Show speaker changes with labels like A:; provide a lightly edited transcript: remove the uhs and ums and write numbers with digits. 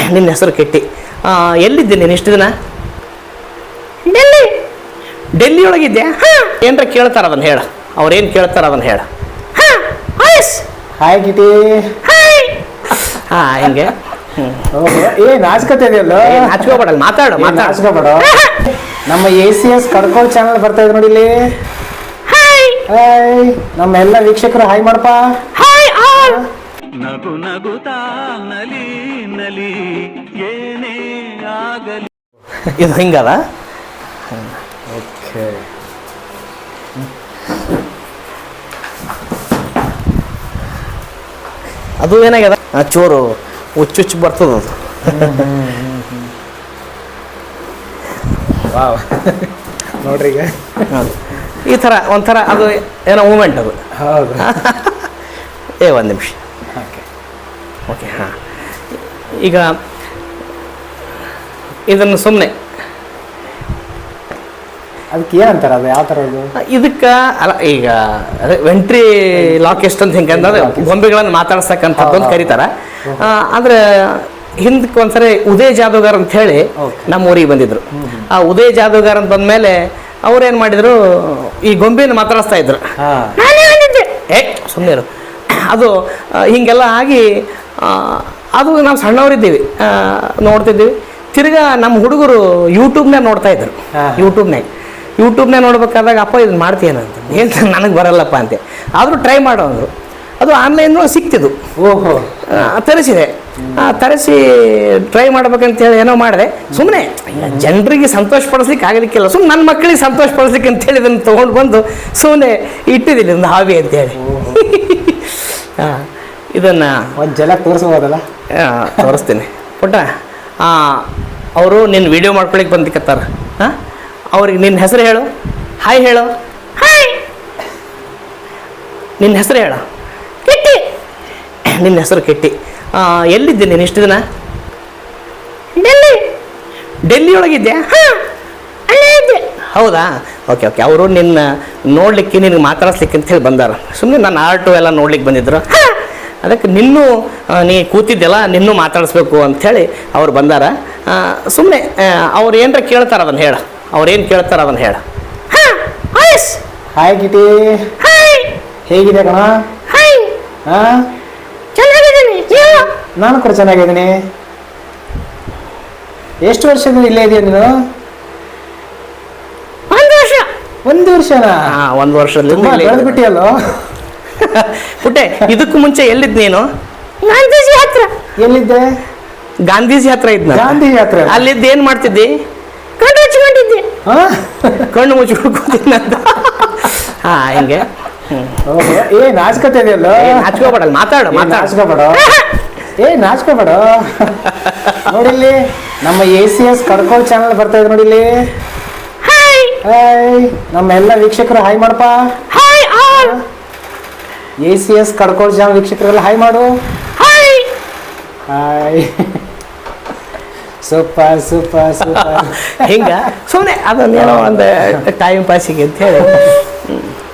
A: ನಿನ್ನ ಹೆಸರು ಕೆಟ್ಟಿ. ಎಲ್ಲಿದ್ದೆ ನೀನು ಇಷ್ಟು ದಿನ? ಡೆಲ್ಲಿ. ಡೆಲ್ಲಿ ಒಳಗಿದ್ದೆ? ಏನರ ಕೇಳ್ತಾರ ಅದನ್ನು ಹೇಳ. ಅವ್ರೇನು ಕೇಳ್ತಾರ ಅದನ್ನು ಹೇಳ.
B: Hi Kitty.
A: ಹಿಂಗೆ
B: ನಾಚ್ಕೋತ ಇದೆಯಲ್ಲ,
A: ನಾಚ್ಕೋಬೇಡಲ್ಲ, ಮಾತಾಡು.
B: ನಾಚ್ಕೋಬೇಡ. ನಮ್ಮ ACS ಕಡ್ಕೋಳ್ ಚಾನಲ್ ಬರ್ತಾ ಇದೆ ನೋಡಿ ಇಲ್ಲಿ. ಹಾಯ್ ನಮ್ಮ ಎಲ್ಲ ವೀಕ್ಷಕರು ಹಾಯ್ ಮಾಡಪ್ಪ.
C: ನಗು ನಗುತ್ತಾ ನಲಿ ನಲಿ ಏನೇ ಆಗಲಿ.
A: ಇದು ಹಿಂಗದ.
B: ಓಕೆ.
A: ಅದು ಏನಾಗ್ಯದ, ಚೂರು ಹುಚ್ಚುಚ್ಚು ಬರ್ತದ ಅದು.
B: ವಾವ್ ನೋಡ್ರಿ ಈಗ
A: ಈ ಥರ ಒಂಥರ ಅದು ಏನೋ ಮೂಮೆಂಟ್ ಅದು.
B: ಹೌದು.
A: ಒಂದು ನಿಮಿಷ. ಓಕೆ. ಈಗ ಇದನ್ನು ಸುಮ್ಮನೆ
B: ಅದಕ್ಕೆ ಏನಂತಾರೆ, ಅದು ಯಾವ ಥರ ಇದು?
A: ಇದಕ್ಕೆ ಅಲ್ಲ, ಈಗ ಅದೇ ವೆಂಟ್ರಿ ಲಾಕೆಸ್ಟ್ ಅಂತ ಹಿಂಗೆ ಅಂದ್ರೆ ಗೊಂಬೆಗಳನ್ನು ಮಾತಾಡ್ಸಕ್ಕಂಥದ್ದು ಅಂತ ಕರೀತಾರೆ. ಆದರೆ ಹಿಂದಕ್ಕೆ ಒಂದ್ಸರಿ ಉದಯ್ ಜಾದೂಗಾರ್ ಅಂತ ಹೇಳಿ ನಮ್ಮ ಊರಿಗೆ ಬಂದಿದ್ರು. ಆ ಉದಯ್ ಜಾದೂಗಾರ್ ಅಂತ ಬಂದಮೇಲೆ ಅವ್ರೇನು ಮಾಡಿದ್ರು, ಈ ಗೊಂಬೆನ ಮಾತಾಡಿಸ್ತಾ ಇದ್ರು. ಸುಮ್ಮನೆ ಅದು ಹೀಗೆಲ್ಲ ಆಗಿ ಅದು ನಾವು ಸಣ್ಣವರಿದ್ದೀವಿ, ನೋಡ್ತಿದ್ದೀವಿ. ತಿರ್ಗಾ ನಮ್ಮ ಹುಡುಗರು ಯೂಟ್ಯೂಬ್ನಾಗ ನೋಡ್ತಾ ಇದ್ರು. ಯೂಟ್ಯೂಬ್ನಾಗ ನೋಡ್ಬೇಕಾದಾಗ ಅಪ್ಪ ಇದನ್ನು ಮಾಡ್ತೀಯೇನಂತ. ಏನು ನನಗೆ ಬರಲ್ಲಪ್ಪ ಅಂತೆ. ಆದರೂ ಟ್ರೈ ಮಾಡೋ ಅಂದರು. ಅದು ಆನ್ಲೈನ್ ಸಿಕ್ತಿದ್ದು.
B: ಓಹೋ.
A: ತರಿಸಿದೆ. ತರಿಸಿ ಟ್ರೈ ಮಾಡ್ಬೇಕಂತೇಳಿ ಏನೋ ಮಾಡಿದೆ. ಸುಮ್ಮನೆ ಜನರಿಗೆ ಸಂತೋಷ ಪಡಿಸ್ಲಿಕ್ಕೆ ಆಗಲಿಕ್ಕಿಲ್ಲ, ಸುಮ್ಮನೆ ನನ್ನ ಮಕ್ಕಳಿಗೆ ಸಂತೋಷ ಪಡಿಸ್ಲಿಕ್ಕೆ ಅಂತೇಳಿ ಇದನ್ನು ತೊಗೊಂಡು ಬಂದು ಸುಮ್ಮನೆ ಇಟ್ಟಿದ್ದೀನಿ ಒಂದು ಹಾಬಿ ಅಂತೇಳಿ. ಇದನ್ನು
B: ಒಂದು ಜಲಕ್ಕೆ ತೋರಿಸ್ಬೋದಲ್ಲ?
A: ತೋರಿಸ್ತೀನಿ ಪುಟ್ಟ. ಅವರು ನಿನ್ನ ವಿಡಿಯೋ ಮಾಡ್ಕೊಳಿಕ್ಕೆ ಬಂದಿಕತ್ತಾರ. ಅವ್ರಿಗೆ ನಿನ್ನ ಹೆಸರು ಹೇಳು. ಹಾಯ್ ಹೇಳು. ಹಾಯ್. ನಿನ್ನ ಹೆಸರು ಹೇಳು. ಕೆಟ್ಟಿ. ನಿನ್ನ ಹೆಸರು ಕೆಟ್ಟಿ. ಎಲ್ಲಿದ್ದೆ ನೀನು ಇಷ್ಟು ದಿನ? ಡೆಲ್ಲಿ. ಡೆಲ್ಲಿ ಒಳಗಿದ್ದೆ? ಅಲ್ಲೇ ಇದ್ದೆ. ಹೌದಾ? ಓಕೆ. ಅವರು ನಿನ್ನ ನೋಡಲಿಕ್ಕೆ, ನಿನಗೆ ಮಾತಾಡಿಸ್ಲಿಕ್ಕೆ ಅಂತೇಳಿ ಬಂದಾರ. ಸುಮ್ಮನೆ ನನ್ನ ಆರ್ಟು ಎಲ್ಲ ನೋಡ್ಲಿಕ್ಕೆ ಬಂದಿದ್ರು. ಅದಕ್ಕೆ ನಿನ್ನೂ ನೀ ಕೂತಿದ್ದೆಲ್ಲ ನಿನ್ನೂ ಮಾತಾಡಿಸ್ಬೇಕು ಅಂಥೇಳಿ ಅವ್ರು ಬಂದಾರ. ಸುಮ್ಮನೆ ಅವ್ರು ಏನರ ಕೇಳ್ತಾರ ಅದನ್ನು ಹೇಳ. ಅವ್ರೇನು ಕೇಳ್ತಾರ ಅದನ್ನು ಹೇಳ.
B: Hi Kitty. ಹೇಗಿದೆ ಕಣ?
A: ಚೆನ್ನಾಗಿದ್ದೀನಿ.
B: ನಾನು ಕೂಡ ಚೆನ್ನಾಗಿದ್ದೀನಿ. ಎಷ್ಟು ವರ್ಷದಿಂದ ಇಲ್ಲೇ ಇದೆಯಾ ನೀನು? ಒಂದು ವರ್ಷನಾ?
A: ಒಂದು ವರ್ಷದಿಂದ
B: ಬೆಳೆದ್ಬಿಟ್ಟಿಯಲ್ಲೋ
A: ಪುಟ್ಟೆ. ಇದಕ್ಕೂ ಮುಂಚೆ ಎಲ್ಲಿದ್ದು ನೀನು? ಗಾಂಧೀಜಿ ಹತ್ರ.
B: ಎಲ್ಲಿದ್ದೆ?
A: ಗಾಂಧೀಜಿ ಹತ್ರ ಇದ್ನ.
B: ಗಾಂಧೀಜಿ ಹತ್ರ
A: ಅಲ್ಲಿದ್ದು ಏನು ಮಾಡ್ತಿದ್ದಿ? ಕಣ್ಣು ಮುಚ್ಕೊಂಡಿದ್ದೆ. ಕಣ್ಣು ಮುಚ್ಚಿಡ್ಕೊತಿದ್ನಂತ. ಹಿಂಗೆ.
B: ನಾಚ್ಕೋತ ಇದೆಯಲ್ಲ,
A: ನಾಚ್ಕೋಬೇಡಲ್ಲ, ಮಾತಾಡು.
B: ನಾಚ್ಕೋಬೇಡ. ನಾಚ್ಕೋಬೇಡ. ನೋಡಿಲ್ಲಿ ನಮ್ಮ ACS ಕಡ್ಕೋಳ್ ಚಾನಲ್ ಬರ್ತಾ ಇದೆ ನೋಡಿಲ್ಲಿ. ಹಾಯ್ ನಮ್ಮ ಎಲ್ಲ ವೀಕ್ಷಕರು ಹಾಯ್ ಮಾಡಪ್ಪ. ACS ಕಡ್ಕೋಳ್ ಚಾನಲ್ ವೀಕ್ಷಕರೆಲ್ಲ ಹಾಯ್ ಮಾಡು. ಹಾಯ್. Super super super.
A: ಹಿಂಗ ಸುಮ್ಮನೆ ಅದನ್ನೇನೋ ಒಂದು ಟೈಮ್ ಪಾಸಿಗೆ ಅಂತ ಹೇಳಿ